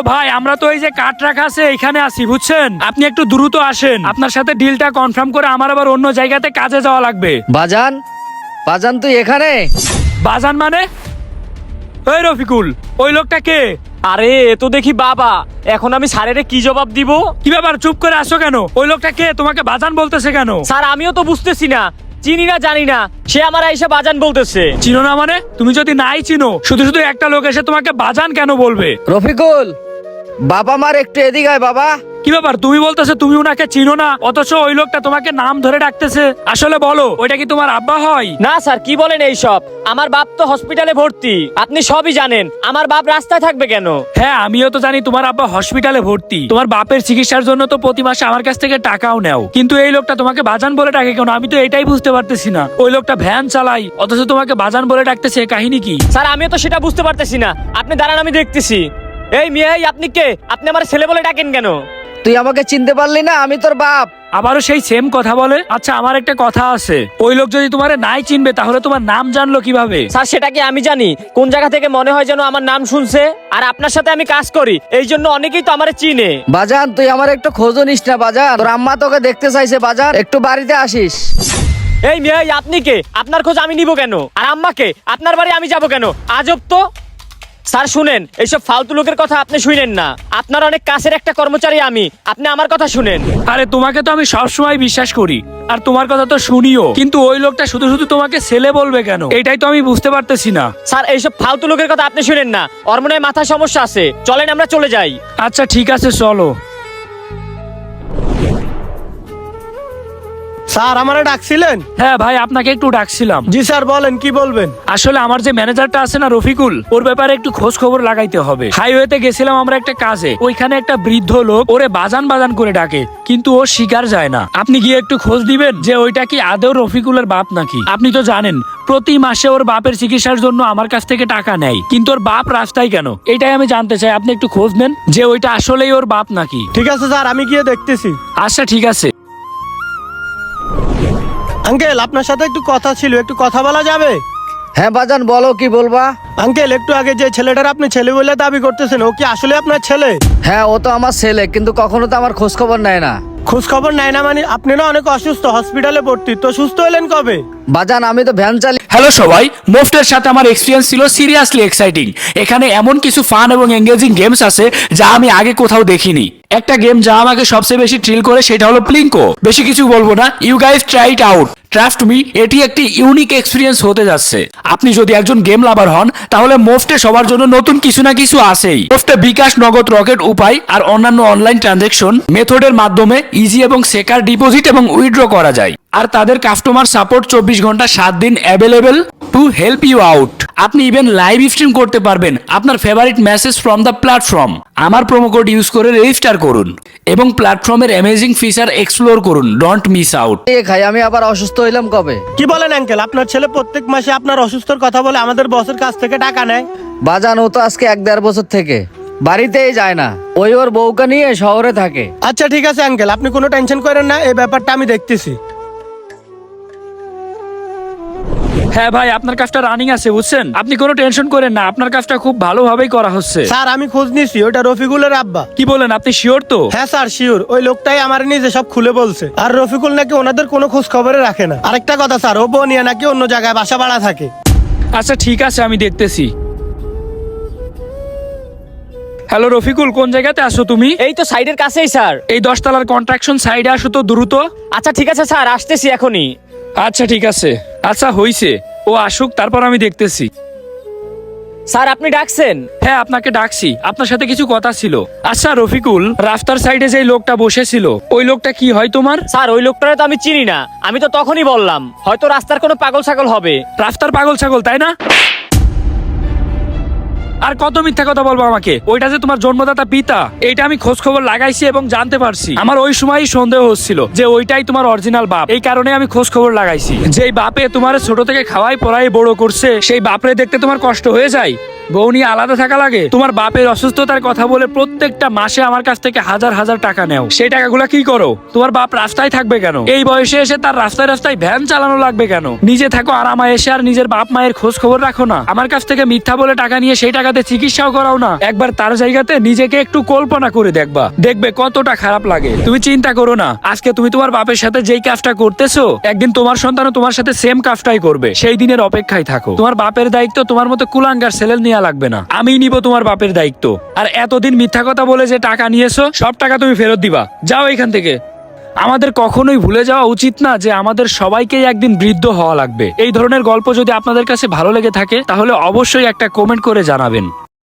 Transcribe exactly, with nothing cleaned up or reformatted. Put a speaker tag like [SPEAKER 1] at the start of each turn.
[SPEAKER 1] ভাই, আমরা তো এই যে কাঠ রাখা আছে এখানে আছি, বুঝছেন? আপনি একটু দ্রুত আসেন, আপনার সাথে ডিলটা কনফার্ম করে আমার আবার অন্য জায়গাতে কাজে যাওয়া লাগবে।
[SPEAKER 2] বাজান, বাজান তুই এখানে?
[SPEAKER 1] বাজান মানে? ওই রফিকুল, ওই লোকটা কে?
[SPEAKER 3] আরে এ তো দেখি বাবা, এখন আমি স্যারের কি জবাব দিব?
[SPEAKER 1] কি ব্যাপার, চুপ করে আসো কেন? ওই লোকটা কে? তোমাকে বাজান বলতেছে কেন?
[SPEAKER 3] স্যার আমিও তো বুঝতেছি না, চিনি না জানি না, সে আমার এসে বাজান বলতেছে।
[SPEAKER 1] চিনো না মানে? তুমি যদি নাই চিনো, শুধু শুধু একটা লোক এসে তোমাকে বাজান কেন বলবে?
[SPEAKER 2] রফিকুল, বাবা মার একটু এদিকে আয় বাবা।
[SPEAKER 1] কি ব্যাপার, তুমি বলতেছো তুমি উনাকে চিনো না, অথচ ওই লোকটা তোমাকে নাম ধরে ডাকতেছে। আসলে বলো, ওইটা কি তোমার আব্বা হয়?
[SPEAKER 3] না স্যার, কি বলেন এইসব? আমার বাপ তো হসপিটালে ভর্তি, আপনি সবই জানেন। আমার বাপ রাস্তায় থাকবে কেন?
[SPEAKER 1] হ্যাঁ, আমিও তো জানি তোমার আব্বা হসপিটালে ভর্তি। তোমার বাপের চিকিৎসার জন্য তো প্রতি মাসে আমার কাছ থেকে টাকাও নেও, কিন্তু এই লোকটা তোমাকে বাজান বলে ডাকে কেন? আমি তো এটাই বুঝতে পারতেছি না। ওই লোকটা ভ্যান চালাই, অথচ তোমাকে বাজান বলে ডাকতেছে, কাহিনী কি?
[SPEAKER 3] স্যার আমিও তো সেটা বুঝতে পারতেছি না। আপনি দাঁড়ান, আমি দেখতেছি। এই মেয়ে, আপনি কে? আপনি আমার ছেলে বলে ডাকেন কেন?
[SPEAKER 2] তুই আমাকে চিনতে পারলি না? আমি তোর বাপ।
[SPEAKER 1] আবারও সেই সেম কথা বলে। আচ্ছা, আমার একটা কথা আছে, ওই লোক যদি তোমারে নাই চিনবে তাহলে তোমার নাম জানলো কিভাবে?
[SPEAKER 3] স্যার সেটা কি আমি জানি? কোন জায়গা থেকে মনে হয় যেন আমার নাম শুনছে। আর আপনার সাথে আমি কাজ করি, এই জন্য অনেকেই তো আমারে চিনে।
[SPEAKER 2] বাজান তুই আমার একটু খোঁজও নিস না বাজান? তোর আম্মা তোকে দেখতে চাইছে বাজান, একটু বাড়িতে আসিস।
[SPEAKER 3] এই মেয়ে, আপনি কে? আপনার খোঁজ আমি নিব কেন? আর আম্মাকে? আপনার বাড়ি আমি যাব কেন? আজব তো। স্যার শুনেন, এইসব ফালতু লোকের কথা আপনি শুনেন না। আপনার অনেক কাছের একটা কর্মচারী আমি, আপনি আমার কথা শুনেন।
[SPEAKER 1] আরে তোমাকে তো আমি সবসময় বিশ্বাস করি, আর তোমার কথা তো শুনিও, কিন্তু ওই লোকটা শুধু শুধু তোমাকে ছেলে বলবে কেন? এটাই তো আমি বুঝতে পারতেছি না।
[SPEAKER 3] স্যার এইসব ফালতু লোকের কথা আপনি শুনেন না, ওর মনে হয় মাথায় সমস্যা আছে। চলেন আমরা চলে যাই।
[SPEAKER 1] আচ্ছা ঠিক আছে, চলো।
[SPEAKER 4] স্যার আমারে ডাকছিলেন?
[SPEAKER 1] হ্যাঁ ভাই, আপনাকে একটু ডাকছিলাম।
[SPEAKER 4] জি স্যার, বলেন কি বলবেন?
[SPEAKER 1] আসলে আমার যে ম্যানেজারটা আছে না রফিকুল, ওর ব্যাপারে একটু খোঁজ খবর লাগাইতে হবে। হাইওয়েতে গেছিলাম আমরা একটা কাজে, ওইখানে একটা বৃদ্ধ লোক ওরে বাজান বাজান করে ডাকে, কিন্তু ও শিকার যায় না। আপনি গিয়ে একটু খোঁজ দিবেন যে ওইটা কি আদৌ রফিকুলের বাপ নাকি? আপনি তো জানেন প্রতি মাসে ওর বাপের চিকিৎসার জন্য আমার কাছ থেকে টাকা নেয়, কিন্তু ওর বাপ রাস্তায় কেন? এটাই আমি জানতে চাই। আপনি একটু খোঁজ নেন যে ওইটা আসলেই ওর বাপ নাকি।
[SPEAKER 4] ঠিক আছে স্যার, আমি গিয়ে দেখতেছি।
[SPEAKER 1] আচ্ছা ঠিক আছে।
[SPEAKER 4] আঙ্কেল, আপনার সাথে একটু কথা ছিল, একটু কথা বলা যাবে?
[SPEAKER 2] হ্যাঁ বাজান বলো, কি বলবা?
[SPEAKER 4] আঙ্কেল, একটু আগে যে ছেলেটার আপনি ছেলে বলে দাবি করতেছেন, ও কি আসলে আপনার ছেলে?
[SPEAKER 2] হ্যাঁ ও তো আমার ছেলে, কিন্তু কখনো তো আমার খোঁজ খবর নেয় না।
[SPEAKER 4] খোঁজ খবর নেয় না মানে? আপনি না অনেক অসুস্থ, হসপিটালে ভর্তি, তো সুস্থ হলেন কবে?
[SPEAKER 2] বাজান আমি তো ভ্যান চালি।
[SPEAKER 1] হ্যালো সবাই, মোফটের সাথে আমার এক্সপিরিয়েন্স ছিল সিরিয়াসলি এক্সাইটিং। এখানে এমন কিছু ফান এবং এঙ্গেজিং গেমস আছে যা আমি আগে কোথাও দেখিনি। একটা গেম যা আমাকে সবচেয়ে বেশি থ্রিল করে সেটা হলো প্লিঙ্কো। বেশি কিছু বলবো না, you guys try it out. Trust me, এটি একটি ইউনিক এক্সপিরিয়েন্স হতে যাচ্ছে। আপনি যদি একজন গেম লাভার হন তাহলে মোফটে সবার জন্য নতুন কিছু না কিছু আছেই। মোফটে বিকাশ, নগদ, রকেট উপায় আর অন্যান্য অনলাইন ট্রানজাকশন মেথডের মাধ্যমে ইজি এবং সেকার ডিপোজিট এবং উইথড্র করা যায়। আর তাদের কাস্টমার সাপোর্ট চব্বিশ ঘন্টা সাত দিন available to help you out. আপনি ইভেন লাইভ স্ট্রিম করতে পারবেন আপনার favourite message from the platform. আমার প্রোমো কোড ইউজ করে রেজিস্টার করুন এবং প্ল্যাটফর্মের অ্যামেজিং ফিচার এক্সপ্লোর করুন। Don't miss out.
[SPEAKER 2] এ খাই, আমি আবার অসুস্থ হইলাম কবে?
[SPEAKER 4] কি বলেন আঙ্কেল? আপনার ছেলে প্রত্যেক মাসে আপনার অসুস্থর কথা বলে আমাদের বসের কাছ থেকে টাকা নেয়?
[SPEAKER 2] বাজান ও তো আজকে এক দেড় বছর থেকে বাড়িতেই যায় না, ওই ওর বউকে নিয়ে শহরে থাকে।
[SPEAKER 4] আচ্ছা ঠিক আছে আঙ্কেল, আপনি কোনো টেনশন করেন না, এই ব্যাপারটা আমি দেখতেছি।
[SPEAKER 1] হ্যাঁ ভাই, আপনার কাজটা রানিং আছে, বুঝছেন? আপনি কোনো টেনশন করেন না, আপনার কাজটা খুব ভালোভাবেই করা হচ্ছে।
[SPEAKER 4] স্যার আমি খোঁজ নিছি, ওইটা রফিকুলের আব্বা।
[SPEAKER 1] কি বলেন, আপনি শিওর তো?
[SPEAKER 4] হ্যাঁ স্যার শিওর, ওই লোকটাই আমার নিজে সব খুলে বলছে। আর রফিকুল নাকি ওনাদের কোনো খোঁজ খবরে রাখে না। আরেকটা কথা স্যার, ও বউ নিয়ে নাকি অন্য জায়গায় বাসা ভাড়া থাকে।
[SPEAKER 1] আচ্ছা ঠিক আছে, আমি দেখতেছি। হ্যালো রফিকুল, কোন জায়গাতে আসো তুমি?
[SPEAKER 3] এই তো সাইডের কাছেই স্যার।
[SPEAKER 1] এই দশতলার কন্ট্রাকশন সাইডে আসো তো দ্রুত।
[SPEAKER 3] আচ্ছা ঠিক আছে স্যার, আসতেছি এখনই।
[SPEAKER 1] আচ্ছা ঠিক আছে। আচ্ছা হইছে, ও আসুক, তারপর আমি দেখতেছি।
[SPEAKER 3] স্যার আপনি ডাকছেন?
[SPEAKER 1] হ্যাঁ আপনাকে ডাকছি, আপনার সাথে কিছু কথা ছিল। আচ্ছা রফিকুল, রাস্তার সাইডে যে লোকটা বসেছিল ওই লোকটা কি হয় তোমার?
[SPEAKER 3] স্যার ওই লোকটারে তো আমি চিনি না, আমি তো তখনই বললাম হয়তো রাস্তার কোনো পাগল ছাগল হবে।
[SPEAKER 1] রাস্তার পাগল ছাগল, তাই না? আর কত মিথ্যা কথা বলবো আমাকে? ওইটা যে তোমার জন্মদাতা পিতা, এটা আমি খোঁজ খবর লাগাইছি এবং জানতে পারছি। আমার ওই সময়ই সন্দেহ হচ্ছিল যে ওইটাই তোমার অরিজিনাল বাপ। এই কারণে আমি খোঁজ খবর লাগাইছি। যেই বাপে তোমার ছোট থেকে খাওয়াই পড়াই বড় করছে, সেই বাপরে দেখতে তোমার কষ্ট হয়ে যায়? বউ নিয়ে আলাদা থাকা লাগে? তোমার বাপের অসুস্থতার কথা বলে প্রত্যেকটা মাসে আমার কাছ থেকে হাজার হাজার টাকা নেও, সেই টাকাগুলো কি করো? তোমার বাপ রাস্তায় থাকবে কেন? এই বয়সে এসে তার রাস্তায় রাস্তায় ভ্যান চালানো লাগবে কেন? নিজে থাকো আরামায় এসে আর নিজের বাপ মায়ের খোঁজ খবর রাখো না। আমার কাছ থেকে মিথ্যা বলে টাকা নিয়ে সেই টাকাতে চিকিৎসাও করাও না। একবার তার জায়গাতে নিজেকে একটু কল্পনা করে দেখবা, দেখবে কতটা খারাপ লাগে। তুমি চিন্তা করো না, আজকে তুমি তোমার বাপের সাথে যেই কাজটা করতেছো, একদিন তোমার সন্তানও তোমার সাথে সেম কাজটাই করবে। সেই দিনের অপেক্ষায় থাকো। তোমার বাপের দায়িত্ব তোমার মতো কুলাঙ্গার ছেলে নেওয়া লাগবে না, আমিই নিব তোমার বাপের দায়িত্ব। আর এতদিন মিথ্যা কথা বলে যে টাকা নিয়েছো, সব টাকা তুমি ফেরত দিবা। যাও এখান থেকে। আমাদের কখনোই ভুলে যাওয়া উচিত না যে আমাদের সবাইকেই একদিন বৃদ্ধ হওয়া লাগবে। এই ধরনের গল্প যদি আপনাদের কাছে ভালো লেগে থাকে তাহলে অবশ্যই একটা কমেন্ট করে জানাবেন।